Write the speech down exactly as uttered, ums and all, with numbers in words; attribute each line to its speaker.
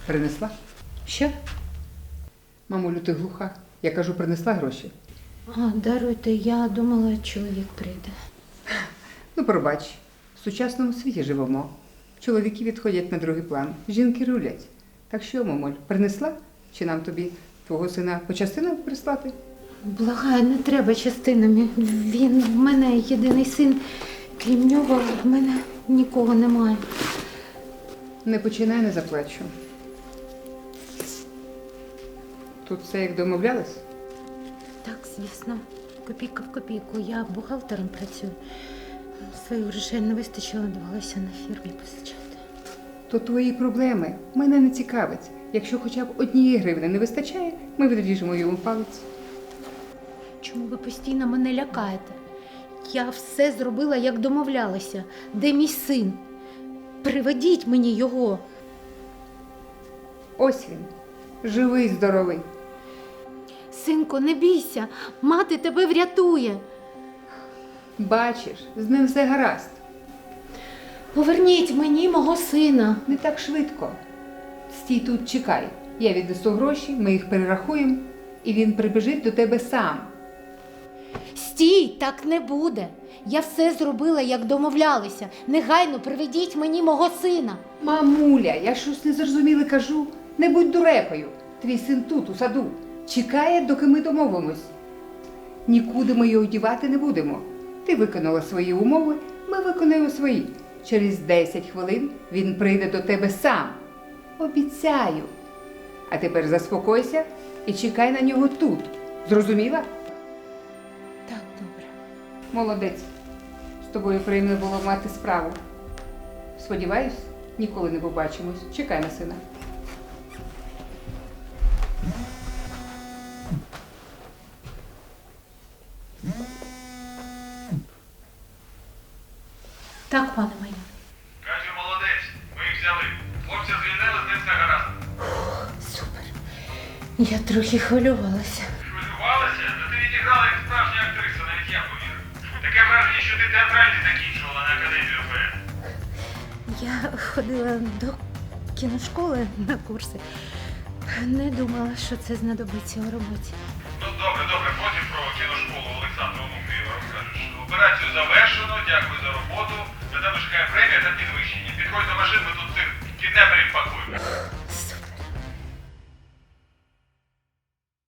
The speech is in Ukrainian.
Speaker 1: Принесла?
Speaker 2: Що?
Speaker 1: Мамулю, ти глуха. Я кажу, принесла гроші.
Speaker 2: А, даруйте, я думала, чоловік прийде.
Speaker 1: Ну, пробач, в сучасному світі живемо. Чоловіки відходять на другий план, жінки рулять. Так що, мамуль, принесла? Чи нам тобі твого сина по частинам прислати?
Speaker 2: Благаю, не треба частинами. Він в мене єдиний син. Крім нього, в мене нікого немає.
Speaker 1: Не починай, не заплачу. Тут все як домовлялись?
Speaker 2: Так, звісно, копійка в копійку. Я бухгалтером працюю. Своїх грошей не вистачило, довелося на фірмі позичати.
Speaker 1: То твої проблеми мене не цікавить. Якщо хоча б однієї гривни не вистачає, ми відріжемо йому палець.
Speaker 2: Чому ви постійно мене лякаєте? Я все зробила, як домовлялася. Де мій син? Приведіть мені його.
Speaker 1: Ось він, живий, здоровий.
Speaker 2: Синко, не бійся, мати тебе врятує.
Speaker 1: Бачиш, з ним все гаразд.
Speaker 2: Поверніть мені мого сина.
Speaker 1: Не так швидко. Стій тут, чекай. Я віднесу гроші, ми їх перерахуємо, і він прибіжить до тебе сам.
Speaker 2: Стій, так не буде. Я все зробила, як домовлялися. Негайно приведіть мені мого сина.
Speaker 1: Мамуля, я щось незрозуміле кажу. Не будь дурепою. Твій син тут, у саду. Чекає, доки ми домовимось. Нікуди ми його дівати не будемо. Ти виконала свої умови, ми виконаємо свої. Через десять хвилин він прийде до тебе сам. Обіцяю. А тепер заспокойся і чекай на нього тут. Зрозуміла?
Speaker 2: Так, добре.
Speaker 1: Молодець. З тобою приємно було мати справу. Сподіваюсь, ніколи не побачимось. Чекай на сина.
Speaker 2: Так, пане моє.
Speaker 3: Катю, молодець, ми їх взяли. Хлопця звільнили, з ним все гаразд.
Speaker 2: Супер. Я трохи хвилювалася.
Speaker 3: Хвилювалася? Та ти відіграла як справжня актриса, навіть я повірив. Таке враження, що ти театральний закінчувала на академію ОФЕ.
Speaker 2: Я ходила до кіношколи на курси. Не думала, що це знадобиться у роботі.
Speaker 3: Ну добре, добре, потім про кіношколу Олександру Онуфрієва розкажеш. Операцію завершено, дякую за роботу. На тебе чекає премія та підвищення. Підходь до машин, ми тут цих кіднеперів пакуємо.